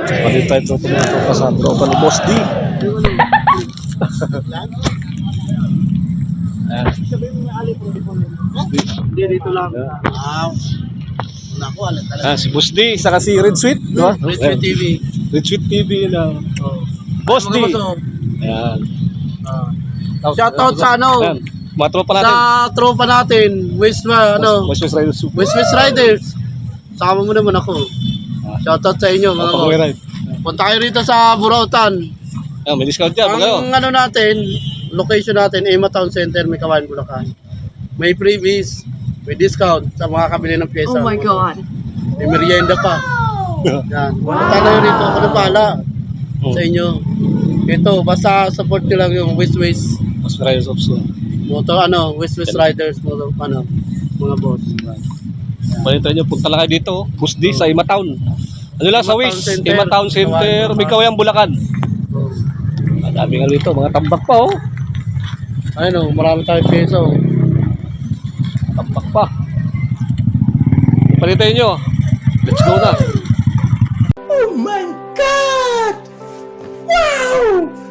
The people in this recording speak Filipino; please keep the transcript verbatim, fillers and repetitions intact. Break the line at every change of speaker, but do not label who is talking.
Palit tayo ito tumato pa sa tropa ni Boss D.
Hindi, dito lang. Ah, naku, alam talaga.
Ah, si Boss D, saka si Red Sweet, di ba?
Red Sweet T V.
Red Sweet T V na.
Oh.
Boss D.
Mga boss, oh.
Ayan.
Ah. Shoutout sa ano,
Ayan. Mga tropa natin.
sa tropa natin, West, ano,
West West Riders Super.
West West Riders. Sama mo naman ako.
Ah.
Shoutout sa inyo, mga
Pag-uwi
boss.
ride.
Punta kayo rito sa Burautan.
Ayan, may discount dyan. Pag
Ang ano natin, location natin, Ema Town Center, may Kawayan, Bulacan. May freebies, may discount sa mga kabili ng pyesa.
Oh my God.
May merienda pa. Yan. Punta na yun rito. Ako na pala sa inyo. Ito, basta support nyo lang yung West West
West Riders of Soul.
motor, ano, West West Riders, motor, ano, mga boss.
Balita nyo, punta lang kayo dito. Boss D sa Ima Town. Ano lang sa
Ima Town
Wish?
Center.
Ima Town Center, may Kawayan, Bulacan. Madami nga dito, mga tambak pa oh.
Ayun o, marami tayong peso.
Tambak pa. Palitan nyo. Let's go na.
Oh my God! Wow!